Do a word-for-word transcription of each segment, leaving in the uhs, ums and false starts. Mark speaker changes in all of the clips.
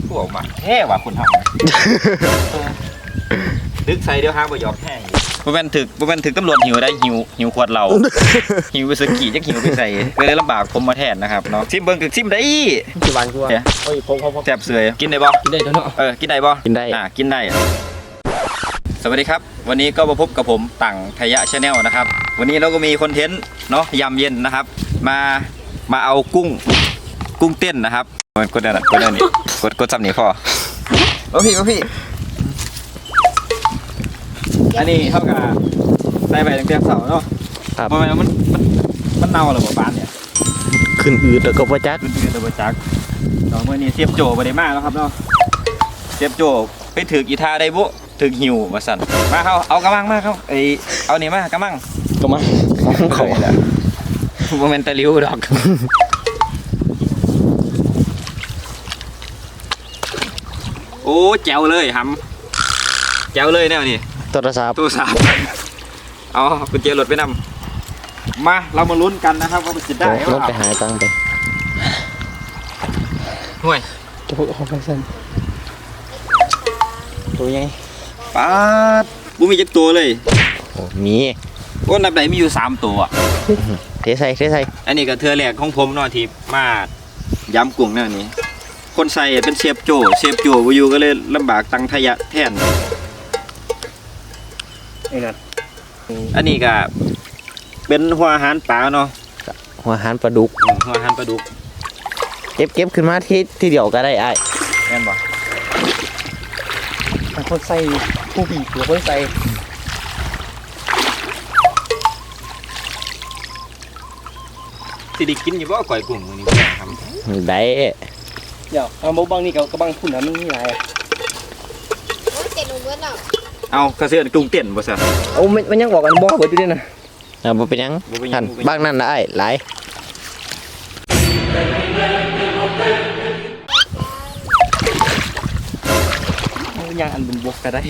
Speaker 1: พวกมาแค่ว่าคนทำดึกใส่เดี๋ยวห้างบ่ยอมแห้งบ่แม่นถึกบ่แม่นถึกตำรวจหิวได้หิวหิวขวดเหล้าหิววิสกี้จักหิวไปใส่ก็เลยลำบากผมมาแทนนะครับเนาะซิมเบิ่งคือซิมได้
Speaker 2: สิหวานกว่าโอ้ยผมผม
Speaker 1: แซ่บเสยกินได้บ่
Speaker 2: กินได้เนาะ
Speaker 1: เออกินได้บ่
Speaker 2: กินได้
Speaker 1: อ่ากินได้สวัสดีครับวันนี้ก็มาพบกับผมตั่งทยะชาแนลนะครับวันนี้เราก็มีคอนเทนต์เนาะยามเย็นนะครับมามาเอากุ้งกุ้งเต้นนะครับกดนั่นกดนั่นนี่กดกดซ้ำนี่พอโอ้พี่โอ้พี่อันนี้เท่ากับใส่ไปตั้งแต่เสาร์เนาะครับมันมันมันมันเน่าหรือเปล่าบ้านเนี่ย
Speaker 2: ขึ้นอืดแล้วก็บ่จัก
Speaker 1: ขึ้นอืดแล้วบ่จักเนาะเมื่อนี้เสียบโจบ่ได้มาแล้วครับเนาะเสียบโจไปถือกีทาได้บุถือหิวมาสั่นมาเข้าเอากระมังมาเข้าไอเอานี่มากระมัง
Speaker 2: กระมัง
Speaker 1: เขาแหละโมเมนต์ตะลิ้วดอกโอ้แจ๋วเลยหำแจ๋วเลยแนวนี่
Speaker 2: โทรศัพท์
Speaker 1: โทรศัพท์เอากุญแจรถไปนำมาเรามาลุ้นกันนะครับว่ามันจะได้หรือเปล่า
Speaker 2: ไปหาตังไป
Speaker 1: ห่วย
Speaker 2: จะพูดเอาไปสั่นตัวยัง
Speaker 1: ป๊าดบุมีจักตัวเลย
Speaker 2: โอ้มี
Speaker 1: โอ้นับไหนมีอยู่สามตัว
Speaker 2: เทใส่เทใส่
Speaker 1: อันนี้ก็เทือแรกของผมเนาะที่มาย้ำกุ้งแนวนี้คนใส่เป็นเชฟโจเชฟโจวิวก็เลยลำบากตังทยะแทนอันนี้ก็เป็นหัวอาหารปลาเนาะ
Speaker 2: หัวอาหารปลาดุก
Speaker 1: หัวอาหารปลาดุก
Speaker 2: เก็บเก็บขึ้นมาที่ที่เดียวก็ได้ไอ้
Speaker 1: แม่นบ่
Speaker 2: คนใส่ผู้ผีหรือคนใส่
Speaker 1: สิได้กินอยู่บ่ก่อยกุ้งมื้อนี้ครับ
Speaker 2: ได้
Speaker 3: เดี๋ยวเอาบ่บังนี่ก็กระบังพุ่นน่ะมันมีหลาย
Speaker 4: โอ้เจ็ดลงเบิดแล้ว
Speaker 1: เอากระเสือกุ้งเต้นบ่ซะ
Speaker 3: โอ้มันยังบอกกันบ่เบิดอยู่เด้น่ะ
Speaker 2: อ่าบ่เป็นหยังท่านบ้างนั่นน่ะไอ้หลาย
Speaker 3: ย่างอันบนบกก็ได้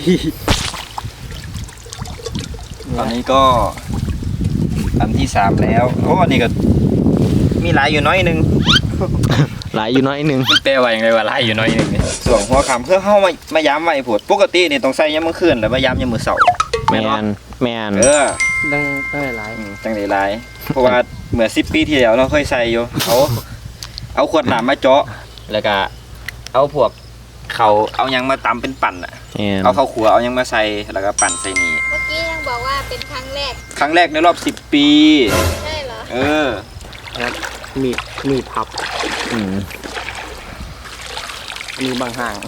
Speaker 1: ตอนนี้ก็อันที่สามแล้วโอ้อันนี้ก็มีหลายอยู่น้อยนึง
Speaker 2: หลายอยู่น้อยนึง
Speaker 1: มันแปลว่าอย่างไรว่าหลายอยู่น้อยนึงนี่ส่วนหัวคำเพื่อเข้ามามาย้ำไว้ผดปกตินี่ต้องใส่ยามมื้อคืนแล้วมาย้ำยามมื้อเช้า
Speaker 2: แมนแมน
Speaker 1: เออ
Speaker 3: ดังได้หลาย
Speaker 1: จังได้หลายเพราะว่าเมื่อสิบปีที่แล้วเราเคยใส่อยู่เขาเอาขวดน้ำมาเจาะแล้วก็เอาพวกเขาเอายังมาตำเป็นปั่นอ่ะเอาข้าวขัวเอายังมาใส่แล้วก็ปั่นใส่นี่
Speaker 4: เมื่อกี้ยังบอกว่าเป็นครั้งแรก
Speaker 1: ครั้งแรกในรอบสิบปี
Speaker 4: ใช่เหรอ
Speaker 1: เออ
Speaker 3: ครับมีมีพับ
Speaker 2: อืม
Speaker 3: มีบางห่าง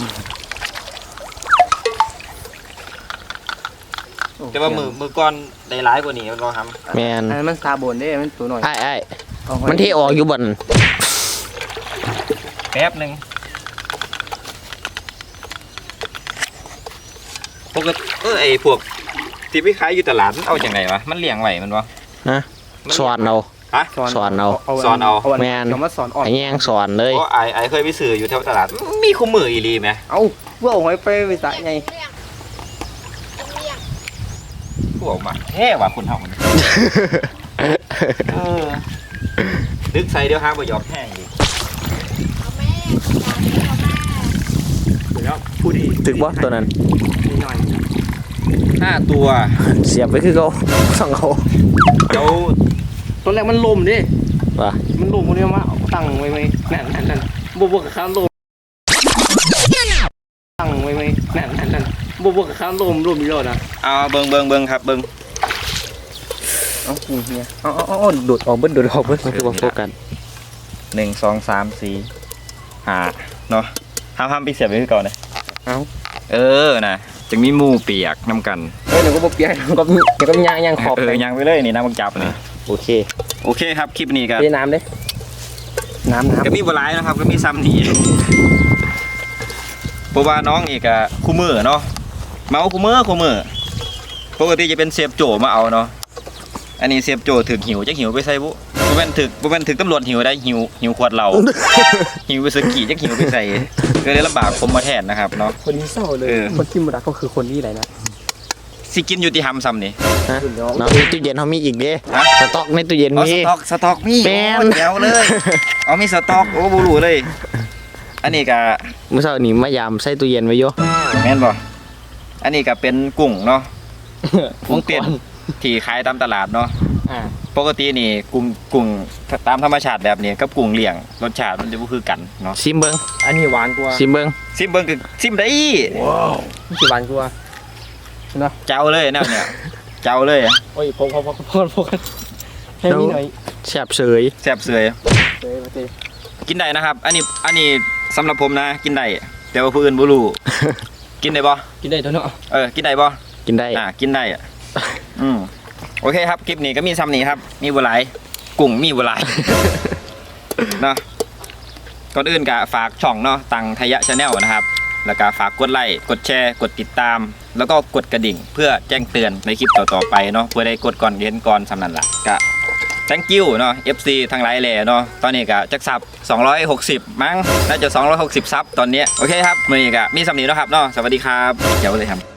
Speaker 1: แต่ว่ามือมือก้อนได้ร้ายกว่านี้มันก็ท
Speaker 2: ำแมน
Speaker 3: อันมันซาบนได้มันตัวหน่อย
Speaker 2: ไอ้ไอ้มันที่ออกอยู่บน
Speaker 1: แป๊บหนึ่งพวกเออไอพวกที่ไปขายอยู่ตลาดมันเอาอย่างไรวะมันเลี้ยงไหวมันวะ
Speaker 2: นะสอนเอา
Speaker 1: ฮะ
Speaker 2: สอนเอา
Speaker 1: สอนเอา
Speaker 2: แมน
Speaker 3: คำว่าสอนอ่อน
Speaker 2: ไอ้แยงสอนเลย
Speaker 1: เพราะไอไอเคยไปซื้ออยู่แถวตลาดมีคู่มืออีรีไหม
Speaker 3: เอาเพื่อเอาไว้ไปไปสายไง
Speaker 1: พวกมาแค่ว่าคนทำมันดึกใส่เดี๋ยวห้างบ่ยอมแห้งอีก
Speaker 3: พูดดี
Speaker 2: ถึงว่าตัวนั้น
Speaker 1: ห้าตัว
Speaker 2: เสียบไปคือเขาสั่งเขา
Speaker 1: เจ้า
Speaker 3: ตอนแรกมันลมดิ
Speaker 2: ว่ะ
Speaker 3: มันลมคนนี้มาตั้งไว้ไว้นั่นนั่นนั่นบวกบวกกับข้ามลมตั้งไว้ไว้นั่นนั่นนั่นบวกบวกกับข้ามลมลมมีรอดนะ
Speaker 1: เอาเบิ้งเบิ้งเบิ้งครับเบิ้ง
Speaker 3: เอาเฮียเอาเอาเอาโดดออกเบิ้งโดดออกเบิ้ง
Speaker 2: มันคือว่าโฟกัส
Speaker 1: หนึ่งสองสามสี่ห้าเนาะห้ามห้ามไปเสียบไปคือเก่าเลย
Speaker 3: เอา
Speaker 1: เออนะจึงมีมูเปียกน้ำกัน
Speaker 3: เฮ้ยเดี๋ยวก็เปียกก็เดี๋ยวก็ยางยางขอบ
Speaker 1: เออยางไปเลยนี่น้ำมันจับนี่
Speaker 2: โอเค
Speaker 1: โอเคครับคลิปนี้กัน
Speaker 3: น้ำเลยน้ำน้ำ
Speaker 1: ก็มีบลายนะครับก็มีซ้ำนี่เพราะว่าน้องอีกอะคู่มือเนาะเมาคู่มือคู่มือปกติจะเป็นเสียบโจมาเอาเนาะอันนี้เสียบโจถึกหิวจะหิวไปใส่บุบ่แม่นถึกบ่แม่นถึกตำรวจหิวได้หิวหิวขวดเหล้าหิววิสกี้จะหิวไปใส่ก็เลยลำบากผมมาแทนนะครับเนาะ
Speaker 3: คนนี้เศร้าเลยคนที่มุดาก็คือคนนี้อะไรนะ
Speaker 1: สิกินอยู่ที่ทำซ้ำนี่
Speaker 2: น้องในตู้เย็นเขามีอีกเด้สต็อกในตู้เย็นมี
Speaker 1: สต็อกสต็อกมี
Speaker 2: แมน
Speaker 1: เดี๋ยวเลยเอามีสต็อกโอ้บูรูเลยอันนี้ก็
Speaker 2: เมื่อเช้านี้มายามใส่ตู้เย็นไว้อยู่
Speaker 1: แม่นบ่อันนี้ก็เป็นกุ้งเนาะกุ้งเต้นที่ขายตามตลาดเนาะ
Speaker 3: อ่า
Speaker 1: ปกตินี่กุ้งกุ้งตามธรรมชาติแบบนี้กับกุ้งเลี้ยงรสชาติมันจะบ่คือกันเนาะ
Speaker 2: ซิมเบิ้ง
Speaker 3: อันนี้หวานกว่า
Speaker 2: ซิมเบิ้ง
Speaker 1: ซิมเบิ่งคือซิมได้
Speaker 3: มันสิหวานกว่าเนาะ
Speaker 1: เจ้าเลยแนวเนี่ยเจ้าเลยอะ
Speaker 3: โอ้ยพกพกพกพกพกให้มีหน่อย
Speaker 2: แซ่บเสย
Speaker 1: แซ่บเสย
Speaker 3: เฮ้ยมาสิ
Speaker 1: กินได้นะครับ อันนี้อันนี้สำหรับผมนะกินได้แต่ว่าผู้อื่นบ่รู้ กินได้บ่
Speaker 3: กินได้ตัวเนาะ
Speaker 1: เออกินได้บ่
Speaker 2: กินได้
Speaker 1: อ่ากินได้อ่ะ อืมโอเคครับคลิปนี้ก็มีซ้ำนี้ครับ มีบัวหลายกุ้งมีบัวหลาย เนาะก่อนอื่นก็ฝากช่องเนาะตังทยะชาแนลนะครับ แล้วก็ฝากกดไลค์กดแชร์กดติดตาม แล้วก็กดกระดิ่ง เพื่อแจ้งเตือนในคลิปต่อๆไปเนาะเพื่อได้กดก่อนเห็นก่อนสำนันละก็ thank you เนาะ เอฟ ซี ทั้งหลายแหล่เนาะตอนนี้ก็จักซับสองร้อยหกสิบมั้งน่าจะสองร้อยหกสิบซับตอนนี้โอเคครับมื้อนี้ก็มีซ้ำนี้เนาะครับเนาะสวัสดีครับเดี๋ยวเลยครับ